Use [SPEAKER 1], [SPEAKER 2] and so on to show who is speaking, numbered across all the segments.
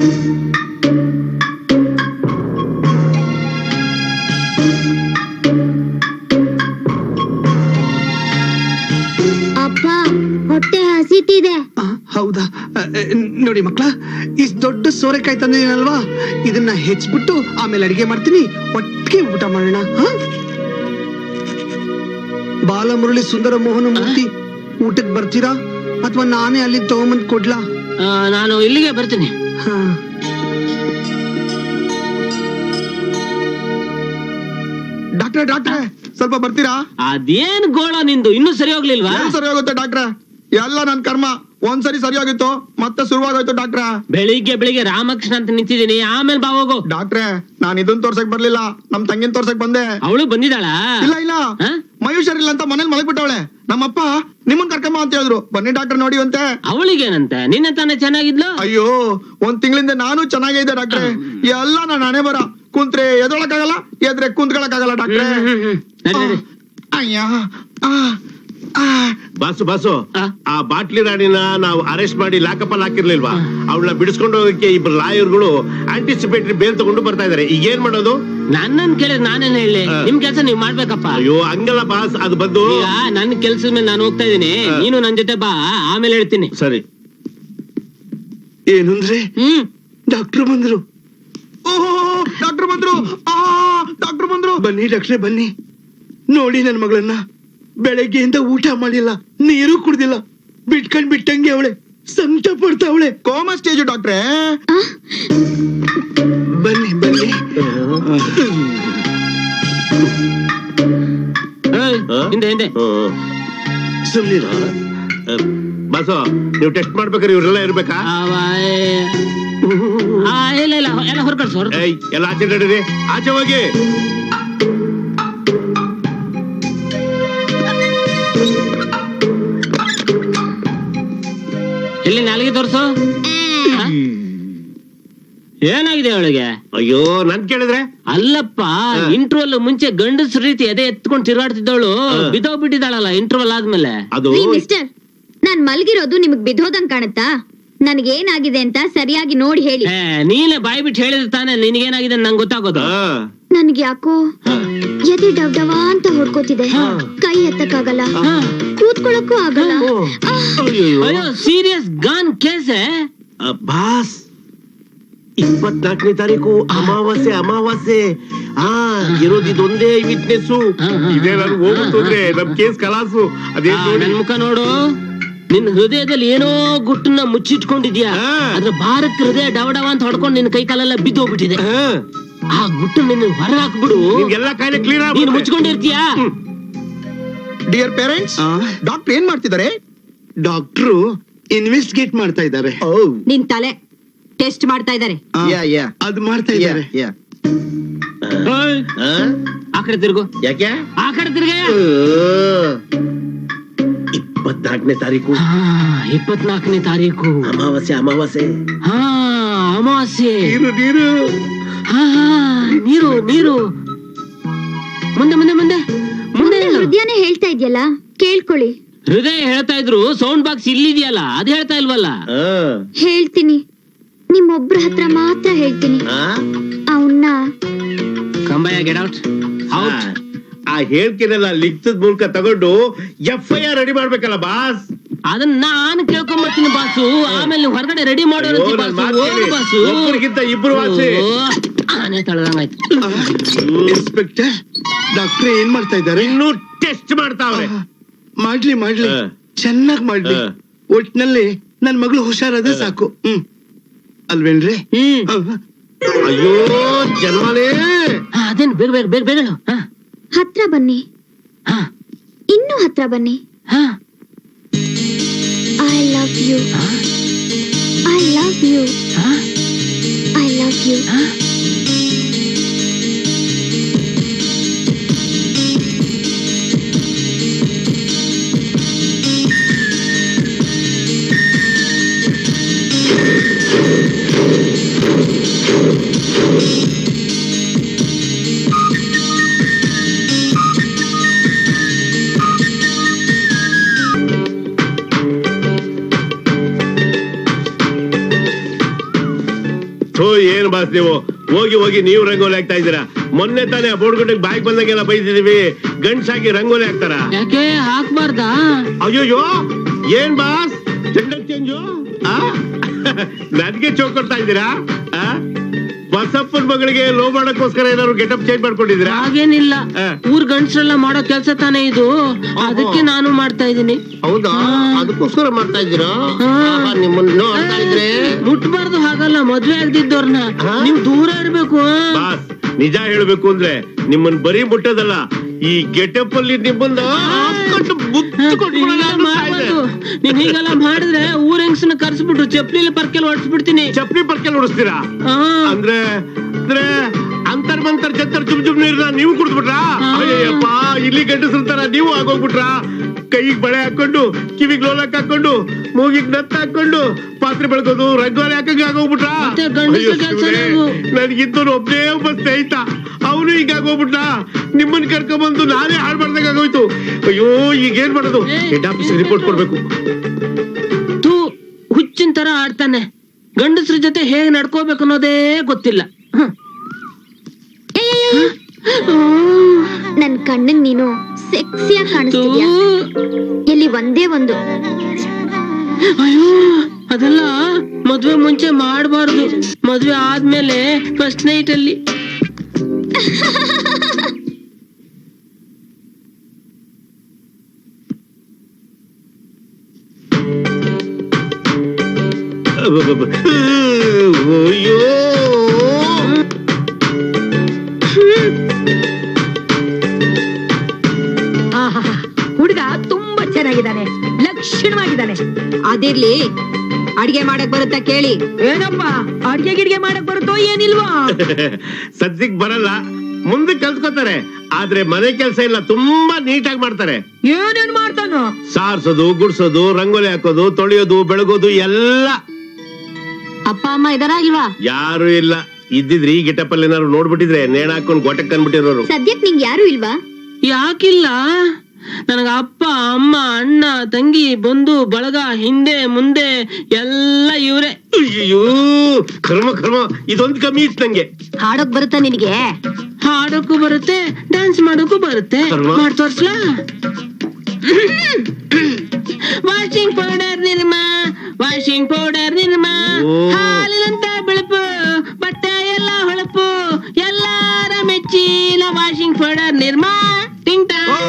[SPEAKER 1] ಅಪ್ಪ ಹೊಟ್ಟೆ ಹಸಿತಿದೆ.
[SPEAKER 2] ಹೌದಾ? ನೋಡಿ ಮಕ್ಳ, ಇಷ್ಟು ದೊಡ್ಡ ಸೋರೆಕಾಯಿ ತಂದಿದ್ದೀನಲ್ವಾ, ಇದನ್ನ ಹೆಚ್ಚಿಬಿಟ್ಟು ಆಮೇಲೆ ಅಡಿಗೆ ಮಾಡ್ತೀನಿ, ಒಟ್ಟಿಗೆ ಊಟ ಮಾಡೋಣ. ಬಾಲಮುರಳಿ ಸುಂದರ ಮೋಹನ ಮೂರ್ತಿ ಊಟಕ್ಕೆ ಬರ್ತೀರಾ ಅಥವಾ ನಾನೇ ಅಲ್ಲಿ ತಗೊಂಬಂದ್ ಕೊಡ್ಲಾ?
[SPEAKER 3] ನಾನು ಇಲ್ಲಿಗೆ ಬರ್ತೀನಿ.
[SPEAKER 4] ಡಾಕ್ಟ್ರೆ ಡಾಕ್ಟ್ರೆ ಸ್ವಲ್ಪ ಬರ್ತೀರಾ?
[SPEAKER 3] ಅದೇನ್ ಗೋಳ ನಿಂದು, ಇನ್ನೂ ಸರಿ ಹೋಗ್ಲಿಲ್ವಾ?
[SPEAKER 4] ಸರಿ ಹೋಗುತ್ತೆ ಡಾಕ್ಟ್ರೆ, ಎಲ್ಲ ನನ್ ಕರ್ಮ. ಒಂದ್ಸರಿ ಸರಿ ಹೋಗಿತ್ತು, ಮತ್ತೆ ಶುರುವಾಗೋಯ್ತು ಡಾಕ್ಟ್ರೆ.
[SPEAKER 3] ಬೆಳಿಗ್ಗೆ ರಾಮಕೃಷ್ಣ ಅಂತ ನಿಂತಿದ್ದೀನಿ, ಆಮೇಲೆ ಬಾ ಹೋಗು.
[SPEAKER 4] ಡಾಕ್ಟ್ರೆ ನಾನ್ ಇದನ್ ತೋರ್ಸಕ್ ಬರ್ಲಿಲ್ಲ, ನಮ್ ತಂಗಿನ ತೋರ್ಸಕ್ ಬಂದೆ.
[SPEAKER 3] ಅವಳು ಬಂದಿದ್ದಾಳ?
[SPEAKER 4] ಇಲ್ಲ ಮಯೂಷರಿಲ್ಲ ಅಂತ ಮನೇಲಿ ಮಲಗ್ಬಿಟ್ಟವಳೆ. ನಮ್ಮಪ್ಪ ನಿಮ್ಮನ್ ಕರ್ಕಮ್ಮ ಅಂತ ಹೇಳಿದ್ರು, ಬನ್ನಿ ಡಾಕ್ಟರ್ ನೋಡಿ ಅಂತೆ.
[SPEAKER 3] ಅವಳಿಗೇನಂತೆ, ನಿನ್ನ ತಾನೇ ಚೆನ್ನಾಗಿದ್ಲು?
[SPEAKER 4] ಅಯ್ಯೋ, ಒಂದ್ ತಿಂಗಳಿಂದ ನಾನು ಚೆನ್ನಾಗಿದ್ದೆ ಡಾಕ್ಟ್ರೆ. ಎಲ್ಲ ನಾನು ಹಣೆ ಬರ. ಕುಂತ್ರೆ ಎದೊಳಕ್ಕಾಗಲ್ಲ, ಎದ್ರೆ ಕುಂತ್ಕೊಳಕ್ಕಾಗಲ್ಲ ಡಾಕ್ಟ್ರೆ. ಅಯ್ಯ
[SPEAKER 5] ಬಾಸು ಆ ಬಾಟ್ಲಿ ರಾಣಿನ ನಾವು ಅರೆಸ್ಟ್ ಮಾಡಿ ಲಾಕಪ್ ಅಲ್ಲಿ ಹಾಕಿರ್ಲಿಲ್ವಾ? ಅವಳನ್ನ ಬಿಡಿಸ್ಕೊಂಡು ಹೋಗಕ್ಕೆ ಇಬ್ರು ಲಾಯರ್ಗಳು ಆಂಟಿಸಿಪೇಟರಿ ಬೇಲ್ ತಗೊಂಡು ಬರ್ತಾ ಇದಾರೆ. ಈಗ ಏನ್ ಮಾಡೋದು?
[SPEAKER 3] ನನ್ನನ್ ಕೇಳಿದ್ರೆ ನಾನೇನ್ ಹೇಳಿ, ನಿಮ್ ಕೆಲ್ಸ ನೀವ್ ಮಾಡ್ಬೇಕಪ್ಪ.
[SPEAKER 5] ಅಯ್ಯೋ ಹಂಗಲ್ಲ ಬಾಸ್, ಅದು ಬಂದು
[SPEAKER 3] ನನ್ ಕೆಲ್ಸದ ಮೇಲೆ ನಾನು ಹೋಗ್ತಾ ಇದೀನಿ, ನೀನು ನನ್ ಜೊತೆ ಬಾ, ಆಮೇಲೆ ಹೇಳ್ತೀನಿ.
[SPEAKER 5] ಸರಿ.
[SPEAKER 2] ಏನಂದ್ರೆ ಡಾಕ್ಟರ್ ಬಂದ್ರು?
[SPEAKER 4] ಡಾಕ್ಟರ್ ಬಂದ್ರು, ಡಾಕ್ಟರ್ ಬಂದ್ರು.
[SPEAKER 2] ಬನ್ನಿ ಡಾಕ್ಟ್ರೆ ಬನ್ನಿ. ನೋಡಿ ನನ್ ಮಗಳನ್ನ ಬೆಳಗ್ಗೆಯಿಂದ ಊಟ ಮಾಡಿಲ್ಲ, ನೀರು ಕುಡ್ದಿಲ್ಲ, ಬಿಟ್ಟಂಗೆ ಅವಳೆ ಸಂಕಟ ಪಡ್ತಾವಳೆ.
[SPEAKER 4] ಕೋಮಾ ಸ್ಟೇಜ್ ಡಾಕ್ಟ್ರೆ.
[SPEAKER 2] ಬನ್ನಿ ಬನ್ನಿ.
[SPEAKER 3] ಹಿಂದೆ
[SPEAKER 2] ಸುಮ್ನಿರ.
[SPEAKER 5] ಬಾಸು, ನೀವು ಟೆಸ್ಟ್ ಮಾಡ್ಬೇಕಾದ್ರೆ ಇವ್ರೆಲ್ಲ ಇರ್ಬೇಕಾ?
[SPEAKER 3] ಇಲ್ಲ ಎಲ್ಲ ಹೊರಕಳ್ಸ.
[SPEAKER 5] ಎಲ್ಲ ಆಚೆ ನಡೀರಿ, ಆಚೆ ಹೋಗಿ.
[SPEAKER 3] ಎಲ್ಲಿ ನಾಲಿಗೆ ತೋರ್ಸು. ಏನಾಗಿದೆ ಅವಳಿಗೆ?
[SPEAKER 5] ಅಯ್ಯೋ ನನ್ ಕೇಳಿದ್ರೆ?
[SPEAKER 3] ಅಲ್ಲಪ್ಪ, ಇಂಟರ್ವಲ್ ಮುಂಚೆ ಗಂಡಸ್ ರೀತಿ ಎದೆ ಎತ್ಕೊಂಡು ತಿರುಗಾಡ್ತಿದ್ದವಳು ಬಿದ್ದೋಗ್ಬಿಟ್ಟಿದ್ದಾಳಲ್ಲ ಇಂಟರ್ವಲ್ ಆದ್ಮೇಲೆ.
[SPEAKER 5] ಅದು
[SPEAKER 1] ಮಿಸ್ಟರ್, ನಾನ್ ಮಲ್ಗಿರೋದು ನಿಮಗ್ ಬಿದ್ದೋದಂಗ್ ಕಾಣುತ್ತಾ? ನನ್ಗೇನಾಗಿದೆ ಅಂತ ಸರಿಯಾಗಿ ನೋಡಿ ಹೇಳಿ.
[SPEAKER 3] ನೀನೇ ಬಾಯಿ ಬಿಟ್ಟು ಹೇಳಿದ್ರೆ ತಾನೇ ನಿನಗೇನಾಗಿದೆ ನಂಗೆ ಗೊತ್ತಾಗೋದು.
[SPEAKER 1] ನನ್ಗೆ ಯಾಕೋ ಎದೆ ಡವ್ ಅಂತ ಹೊಡ್ಕೋತಿದೆ, ಕೈ ಎತ್ತಕ್ಕಾಗಲ್ಲ, ಕೂತ್ಕೊಳ್ಳಕ್ಕೂ ಆಗಲ್ಲ.
[SPEAKER 3] ಅಯ್ಯೋ, ಸೀರಿಯಸ್ ಗಾನ್ ಕೇಸ್.
[SPEAKER 5] ಬಾಸ್, 24ನೇ ತಾರೀಕು ಅಮಾವಾಸ್ಯೆ. ಇರೋದಿದೊಂದೇ ವಿಟ್ನೆಸ್. ಇದೇ ನಾನು ಹೋಗುತ್ತಂದ್ರೆ ನಮ್ ಕೇಸ್ ಕಲಾಸು. ಅದೇ
[SPEAKER 3] ನನ್ ಮುಖ ನೋಡು, ನಿನ್ ಹೃದಯದಲ್ಲಿ ಏನೋ ಗುಟ್ಟನ್ನ ಮುಚ್ಚಿಟ್ಕೊಂಡಿದ್ಯಾ. ಅದ್ರ ಭಾರತ್ ಹೃದಯ ಡವ ಅಂತ ಹೊಡ್ಕೊಂಡು ನಿನ್ ಕೈ ಕಾಲೆಲ್ಲ ಬಿದ್ದು ಹೋಗ್ಬಿಟ್ಟಿದೆ. ಆ ಗುಟ್ಟು ನಿನ್ನ ಹೊರ ಹಾಕ್ಬಿಡು,
[SPEAKER 5] ಎಲ್ಲ ಕಾಯಿಲೆ ಕ್ಲಿಯರ್ ಆಗಿ
[SPEAKER 3] ನೀನ್ ಮುಚ್ಕೊಂಡಿರ್ತೀಯಾ.
[SPEAKER 4] ಡಿಯರ್ ಪೇರೆಂಟ್ಸ್, ಡಾಕ್ಟರ್ ಏನ್ ಮಾಡ್ತಿದ್ದಾರೆ?
[SPEAKER 2] ಡಾಕ್ಟ್ರು ಇನ್ವೆಸ್ಟಿಗೇಟ್ ಮಾಡ್ತಾ ಇದ್ದಾರೆ.
[SPEAKER 1] ನಿನ್ ತಲೆ ಟೆಸ್ಟ್ ಮಾಡ್ತಾ ಇದ್ದಾರೆ.
[SPEAKER 2] ಅದು ಮಾಡ್ತಾ ಇದ್ದಾರೆ.
[SPEAKER 3] ಆ ಕಡೆ ತಿರುಗು.
[SPEAKER 5] ಯಾಕೆ?
[SPEAKER 3] ಆ ಕಡೆ ತಿರುಗ.
[SPEAKER 5] 24ನೇ ತಾರೀಕು.
[SPEAKER 3] 24ನೇ ತಾರೀಕು
[SPEAKER 5] ಅಮಾವಾಸ್ಯೆ.
[SPEAKER 3] ಅಮಾವಾಸ್ಯೆ. ನೀರು. ಮುಂದೆ
[SPEAKER 1] ಹೃದಯನೇ ಹೇಳ್ತಾ ಇದ್ಯಲ್ಲ, ಕೇಳ್ಕೊಳ್ಳಿ.
[SPEAKER 3] ಹೃದಯ ಹೇಳ್ತಾ ಇದ್ರು, ಸೌಂಡ್ ಬಾಕ್ಸ್ ಇಲ್ಲಿದೆಯಲ್ಲ ಅದು ಹೇಳ್ತಾ ಇಲ್ವಲ್ಲ.
[SPEAKER 1] ಹೇಳ್ತೀನಿ, ನಿಮ್ಮೊಬ್ರ ಹತ್ರ ಮಾತ್ರ ಹೇಳ್ತೀನಿ. ಅವನ್ನ
[SPEAKER 3] ಕಂಬಯ್ಯ, ಗೆಟ್ ಔಟ್.
[SPEAKER 5] ಆ ಹೇಳ್ಕೆನೆಲ್ಲ ಲಿಖಿತದ ಮೂಲಕ ತಗೊಂಡು FIR ರೆಡಿ ಮಾಡ್ಬೇಕಲ್ಲ ಬಾಸ್.
[SPEAKER 3] ಅದನ್ನ ನಾನು ಕೇಳ್ಕೊಂಡ್ಬರ್ತೀನಿ ಬಾಸು, ಆಮೇಲೆ ಹೊರಗಡೆ ರೆಡಿ ಮಾಡೋರು ಬಾಸು.
[SPEAKER 5] ಇಬ್ರು ವಾಸಿ.
[SPEAKER 3] ಆನೆ ತಳದಂಗಾಯ್ತು.
[SPEAKER 2] ಇನ್ಸ್ಪೆಕ್ಟರ್, ಡಾಕ್ಟರ್ ಏನ್ ಮಾಡ್ತಾ ಇದ್ದಾರೆ?
[SPEAKER 5] ಇನ್ನೂ ಟೆಸ್ಟ್ ಮಾಡ್ತಾವ್ರೆ.
[SPEAKER 2] ಮಾಡ್ಲಿ ಚೆನ್ನಾಗ್ ಮಾಡ್ಲಿ. ಒಟ್ನಲ್ಲಿ ನನ್ ಮಗಳು ಹುಷಾರಾದ್ರೆ ಸಾಕು. ಅಲ್ವೇನ್ರಿ?
[SPEAKER 5] ಅಯ್ಯೋ ಜನ್ಮನೇ.
[SPEAKER 3] ಅದೇನು ಬೇಗ
[SPEAKER 1] ಹತ್ರ ಬನ್ನಿ, ಇನ್ನೂ ಹತ್ರ ಬನ್ನಿ. I love you.
[SPEAKER 5] ಥೋ ಏನ್ ಬಾಸ್ ನೀವು ಹೋಗಿ ಹೋಗಿ ನೀವು ರಂಗೋಲಿ ಹಾಕ್ತಾ ಇದ್ದೀರಾ. ಮೊನ್ನೆ ತಾನೇ ಆ ಬೋಡ್ಗುಡ್ಡಕ್ಕೆ ಬಾಯಿಗೆ ಬಂದಂಗೆಲ್ಲ ಬೈದಿದೀವಿ, ಗಂಡ್ಸಾಗಿ ರಂಗೋಲಿ ಹಾಕ್ತಾರ?
[SPEAKER 3] ಯಾಕೆ ಹಾಕ್ಬಾರ್ದಾ?
[SPEAKER 5] ಅಯ್ಯೋಯ್ಯೋ ಏನ್ ಬಾಸ್ ಜೆಂಡರ್ ಚೇಂಜು? ನನ್ಗೆ ಚೋಕ್ ಕೊಡ್ತಾ ಇದ್ದೀರಾ? ಬಸಪ್ಪನ ಮಗಳಿಗೆ ಲೋ ಮಾಡಕ್ಕೋಸ್ಕರ ಏನಾದ್ರು ಗೆಟಪ್ ಚೇಂಜ್ ಮಾಡ್ಕೊಂಡಿದ್ದೀರಾ?
[SPEAKER 3] ಹಾಗೇನಿಲ್ಲ, ಊರ್ ಗಂಡ್ಸ್ರೆಲ್ಲ ಮಾಡೋ ಕೆಲ್ಸ ತಾನೇ ಇದು, ಅದಕ್ಕೆ ನಾನು ಮಾಡ್ತಾ ಇದೀನಿ.
[SPEAKER 5] ಹೌದಾ? ಅದಕ್ಕೋಸ್ಕರ ಮಾಡ್ತಾ ಇದ್ದೀರಾ? ನಿಮ್ಮನ್ನ ನೋಡ್ತಾ ಇದ್ರೆ
[SPEAKER 3] ಮುಟ್ಬಾರ್ದು, ಹಾಗಲ್ಲ, ಮದ್ವೆ ಆಗ್ದಿದ್ದವ್ರನ್ನ ನೀವ್ ದೂರ ಇರ್ಬೇಕು.
[SPEAKER 5] ಬಾಸ್ ನಿಜ ಹೇಳ್ಬೇಕು ಅಂದ್ರೆ ನಿಮ್ಮನ್ ಬರೀ ಮುಟ್ಟೋದಲ್ಲ, ಈ ಗೆಟಪ್ ಅಲ್ಲಿ ನಿಮ್ಮನ್ನ
[SPEAKER 3] ನೀನ್ ಹೀಗೆಲ್ಲ ಮಾಡಿದ್ರೆ ಊರ್ ಹೆಂಗ್ಸನ್ನ ಕರ್ಸ್ಬಿಟ್ಟು ಚಪ್ಲಿ ಪರ್ಕೆಲ್ ಹೊಡ್ಸ್ಬಿಡ್ತೀನಿ.
[SPEAKER 5] ಚಪ್ಲಿ ಪರ್ಕೆಲ್ ಹೊಡಿಸ್ತೀರಾ? ಅಂದ್ರೆ ಅಂದ್ರೆ ಅಂತರ್ ಮಂತರ್ ಜಂತರ್ ಚುಮ್ ನೀರ್ನ ನೀವು ಕುಡಿದ್ಬಿಟ್ರಾ? ಅಯ್ಯಪ್ಪ, ಇಲ್ಲಿ ಗಂಡಸ್ರಂತಾರ ನೀವು ಆಗೋಗ್ಬಿಟ್ರಾ? ಕೈಗೆ ಬಳೆ ಹಾಕೊಂಡು, ಕಿವಿಗ್ ಲೋಲಕ್ ಹಾಕೊಂಡು, ಮೂಗಿಗ್ ನತ್ತ ಹಾಕೊಂಡು ಪಾತ್ರೆ ಬೆಳಗೋದು, ರಂಗೋಲಿ ಹಾಕಂಗ ಆಗೋಗ್ಬಿಟ್ರಾ? ನನ್ಗಿದ್ದು ಒಬ್ಬನೇ ಒಬ್ಬ ಸ್ನೇಹಿತ, ಅವನು ಹಿಂಗಾಗೋಗ್ಬಿಟ್ಟ. ನಿಮ್ಮನ್ ಕರ್ಕೊಂಡ್ಬಂದು ನಾನೇ ಹಾಳು ಮಾಡ್ದಂಗ ಆಗೋಯ್ತು. ಅಯ್ಯೋ, ಈಗ ಏನ್ ಮಾಡೋದು? ಹೆಡ್ ಆಫೀಸ್ ರಿಪೋರ್ಟ್ ಕೊಡ್ಬೇಕು.
[SPEAKER 3] ತೂ ಹುಚ್ಚಿನ ತರ ಆಡ್ತಾನೆ, ಗಂಡಸ್ರ ಜೊತೆ ಹೇಗ್ ನಡ್ಕೋಬೇಕು ಅನ್ನೋದೇ ಗೊತ್ತಿಲ್ಲ.
[SPEAKER 1] ನನ್ ಕಣ್ಣಿಗೆ ನೀನು ಸೆಕ್ಸಿಯಾಗಿ ಕಾಣಿಸ್ತೀಯ. ಇಲ್ಲಿ ಒಂದೇ ಒಂದು.
[SPEAKER 3] ಅಯ್ಯೋ, ಅದೆಲ್ಲ ಮದ್ವೆ ಮುಂಚೆ ಮಾಡಬಾರ್ದು, ಮದ್ವೆ ಆದ್ಮೇಲೆ ಫಸ್ಟ್ ನೈಟ್ ಅಲ್ಲಿ.
[SPEAKER 5] ಅಯ್ಯೋ,
[SPEAKER 6] ಹುಡುಗ ತುಂಬಾ ಚೆನ್ನಾಗಿದ್ದಾನೆ, ಲಕ್ಷಣವಾಗಿದ್ದಾನೆ. ಅದಿರ್ಲಿ, ಅಡ್ಗೆ ಮಾಡಕ್ ಬರುತ್ತಾ ಕೇಳಿ. ಏನಪ್ಪಾ, ಅಡ್ಗೆ ಗಿಡ್ಗೆ ಮಾಡಕ್ ಬರುತ್ತೋ ಏನಿಲ್ವಾ?
[SPEAKER 5] ಸದ್ಯಕ್ ಬರಲ್ಲ, ಮುಂದೆ ಕಲ್ತ್ಕೋತಾರೆ. ಆದ್ರೆ ಮನೆ ಕೆಲಸ ಇಲ್ಲ, ತುಂಬಾ ನೀಟಾಗಿ ಮಾಡ್ತಾರೆ.
[SPEAKER 6] ಏನೇನ್ ಮಾಡ್ತಾನೋ?
[SPEAKER 5] ಸಾರ್ಸೋದು, ಗುಡ್ಸೋದು, ರಂಗೋಲಿ ಹಾಕೋದು, ತೊಳೆಯೋದು, ಬೆಳಗೋದು ಎಲ್ಲ.
[SPEAKER 6] ಅಪ್ಪ ಅಮ್ಮ ಇದಾರ ಇಲ್ವಾ?
[SPEAKER 5] ಯಾರು ಇಲ್ಲ. ಇದ್ದಿದ್ರಿ ಈ ಗೆಟಪ್ ಅಲ್ಲಿ ಏನಾದ್ರು ನೋಡ್ಬಿಟ್ಟಿದ್ರೆ ನೇಣ ಹಾಕೊಂಡ್ ಗೊಟಕ್ ಅನ್ಬಿಟ್ಟಿರೋರು.
[SPEAKER 1] ಸದ್ಯಕ್ ನಿಂಗ್ ಯಾರು ಇಲ್ವಾ?
[SPEAKER 3] ಯಾಕಿಲ್ಲ, ನನಗ ಅಪ್ಪ ಅಮ್ಮ ಅಣ್ಣ ತಂಗಿ ಬಂಧು ಬಳಗ ಹಿಂದೆ ಮುಂದೆ ಎಲ್ಲ ಇವ್ರೆ.
[SPEAKER 5] ಅಯ್ಯೋ, ಕರ್ಮ ಕರ್ಮ, ಇದೊಂದು ಕಮ್ಮಿ ಇತ್ತು ನಂಗೆ.
[SPEAKER 6] ಹಾಡೋಕ್ ಬರುತ್ತಾ ನಿನಗೆ?
[SPEAKER 3] ಹಾಡೋಕು ಬರುತ್ತೆ, ಡ್ಯಾನ್ಸ್ ಮಾಡೋಕು ಬರುತ್ತೆ. ಮಾಡ್ ತೋರ್ಸ್ಲಾ? Washing powder Nirma, washing powder Nirma, ಹಾಲಿನಂತ ಬೆಳಪು, ಬಟ್ಟೆ ಎಲ್ಲ ಹೊಳಪು, ಎಲ್ಲಾರ ಮೆಚ್ಚಿನ ವಾಷಿಂಗ್ ಪೌಡರ್ ನಿರ್ಮ. ಟಿಂಗ್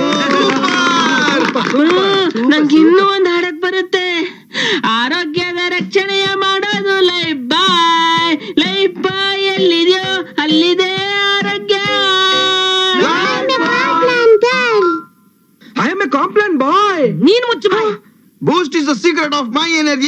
[SPEAKER 3] ನಂಗೆ ಇನ್ನೂ ಒಂದ್ ಹಾಡಕ್ ಬರುತ್ತೆ. ಆರೋಗ್ಯದ ರಕ್ಷಣೆಯ ಮಾಡೋದು ಲೈಫ್ ಬಾಯ್, ಲೈಫ್ ಬಾಯ್ ಎಲ್ಲಿದೆಯೋ ಅಲ್ಲಿದೆ ಆರೋಗ್ಯ.
[SPEAKER 4] I am a complaint boy.
[SPEAKER 6] ನೀನ್ ಮುಚ್ಚು ಬಾಯ್.
[SPEAKER 4] Boost is the secret of my energy.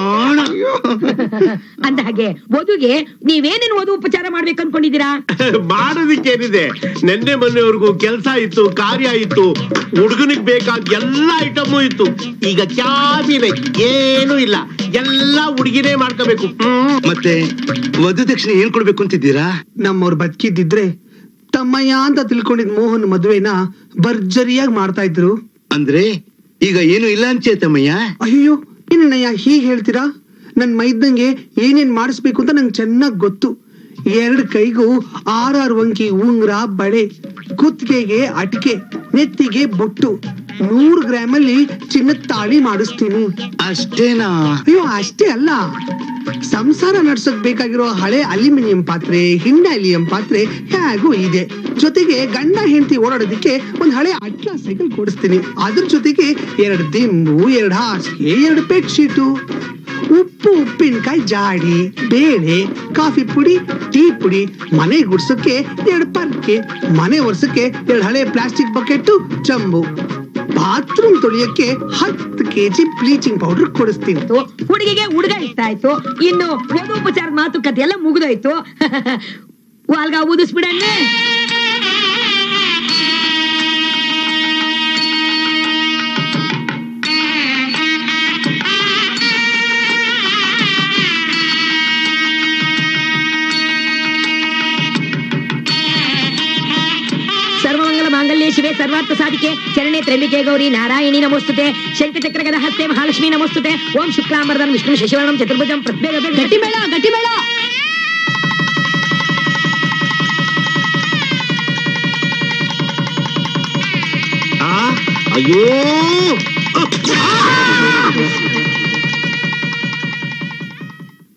[SPEAKER 6] ಅಂದ ಹಾಗೆ ವಧುಗೆ ನೀವೇನೇನು ವಧು ಉಪಚಾರ ಮಾಡ್ಬೇಕು ಅನ್ಕೊಂಡಿದ್ದೀರಾ?
[SPEAKER 5] ಮಾಡೋದಿಕ್ಕೇನಿದೆ, ನೆನ್ನೆ ಮೊನ್ನೆವರೆಗೂ ಕೆಲಸ ಇತ್ತು, ಕಾರ್ಯ ಇತ್ತು, ಹುಡುಗನಿಗೆ ಬೇಕಾದ ಎಲ್ಲ ಐಟಮು ಇತ್ತು. ಈಗ ಕ್ಯಾಬಿನೆ ಏನು ಇಲ್ಲ, ಎಲ್ಲ ಹುಡುಗಿನೇ ಮಾಡ್ಕೋಬೇಕು.
[SPEAKER 2] ಮತ್ತೆ ವಧು ದಕ್ಷಿಣೆ ಏನ್ ಕೊಡ್ಬೇಕು ಅಂತಿದ್ದೀರಾ?
[SPEAKER 7] ನಮ್ಮವ್ರು ಬದುಕಿದ್ದಿದ್ರೆ ತಮ್ಮಯ್ಯ ಅಂತ ತಿಳ್ಕೊಂಡಿದ್ ಮೋಹನ್ ಮದುವೆನ ಭರ್ಜರಿಯಾಗಿ ಮಾಡ್ತಾ ಇದ್ರು.
[SPEAKER 2] ಅಂದ್ರೆ ಈಗ ಏನು ಇಲ್ಲ ಅಂಚೇತಮ್ಮಯ್ಯ?
[SPEAKER 7] ಅಯ್ಯೋ, ಏನಣ್ಣಯ್ಯ ಹೀಗ್ ಹೇಳ್ತೀರಾ? ನನ್ ಮೈದ್ದಂಗೆ ಏನೇನ್ ಮಾಡಿಸ್ಬೇಕು ಅಂತ ನಂಗೆ ಚೆನ್ನಾಗ್ ಗೊತ್ತು. 2 ಕೈಗೂ 6 ವಂಕಿ ಉಂಗ್ರ, ಬಳೆ, ಕುತ್ತಿಗೆಗೆ ಅಟಿಕೆ, ನೆತ್ತಿಗೆ ಬೊಟ್ಟು, 100 ಗ್ರಾಮಲ್ಲಿ ಚಿನ್ನದ ತಾಳಿ ಮಾಡಿಸ್ತೀನಿ.
[SPEAKER 2] ಅಷ್ಟೇನಾ?
[SPEAKER 7] ಅಯ್ಯೋ, ಅಷ್ಟೇ ಅಲ್ಲ, ಸಂಸಾರ ನಡ್ಸಕ್ ಬೇಕಾಗಿರೋ ಹಳೆ ಅಲ್ಯೂಮಿನಿಯಂ ಪಾತ್ರೆ, ಹಿಂಡಾಲಿಯಂ ಪಾತ್ರೆ ಹೇಗೂ ಇದೆ. ಜೊತೆಗೆ ಗಂಡ ಹೆಂಡತಿ ಓಡಾಡೋದಕ್ಕೆ ಒಂದ್ ಹಳೆ ಅಟ್ಲಾ ಸೈಕಲ್ ಕೊಡಿಸ್ತೀನಿ. ಅದ್ರ ಜೊತೆಗೆ 2 ದಿಂಬು, 2 ಹಾಸಿಗೆ, 2 ಬೆಡ್ ಶೀಟು, ಉಪ್ಪು, ಉಪ್ಪಿನಕಾಯಿ ಜಾಡಿ, ಬೇಳೆ, ಕಾಫಿ ಪುಡಿ, ಟೀ ಪುಡಿ, ಮನೆ ಗುಡ್ಸಕ್ಕೆ 2 ಪರ್ಕೆ, ಮನೆ ಒರ್ಸಕ್ಕೆ 2 ಹಳೆ ಪ್ಲಾಸ್ಟಿಕ್ ಬಕೆಟ್, ಚಂಬು, ಬಾತ್ರೂಮ್ ತೊಳಿಯಕ್ಕೆ 10 kg ಬ್ಲೀಚಿಂಗ್ ಪೌಡರ್ ಕೊಡಿಸ್ತೀನಿ.
[SPEAKER 6] ಹುಡುಗಿಗೆ ಹುಡುಗ ಇಷ್ಟ ಆಯ್ತು, ಇನ್ನು ವಧು ಉಪಚಾರ ಮಾತುಕತೆ ಎಲ್ಲ ಮುಗಿದೋಯ್ತು. ವಾಲ್ಗ ಊದಿಸ್ಬಿಡಣ್ಣೆ. ಸರ್ವಮಂಗಲ ಮಾಂಗಲ್ಯ ಶಿವೆ ಸರ್ವಾರ್ಥ ಸಾಧಿಕೆ ಶರಣ್ಯೆ ತ್ರ್ಯಂಬಿಕೆ ಗೌರಿ ನಾರಾಯಣಿ ನಮೋಸ್ತುತೆ ಶಂಖಚಕ್ರ ಗದ ಹಸ್ತೆ ಮಹಾಲಕ್ಷ್ಮಿ ನಮೋಸ್ತುತೆ ಓಂ ಶುಕ್ಲಾಂಬರದಂ ವಿಷ್ಣು ಶಶಿವರ್ಣಂ ಚತುರ್ಭುಜಂ ಪ್ರತ್ಯೇಕ. ಗಟ್ಟಿ ಮೇಳ, ಗಟ್ಟಿ ಮೇಳ.
[SPEAKER 5] ಅಯ್ಯೋ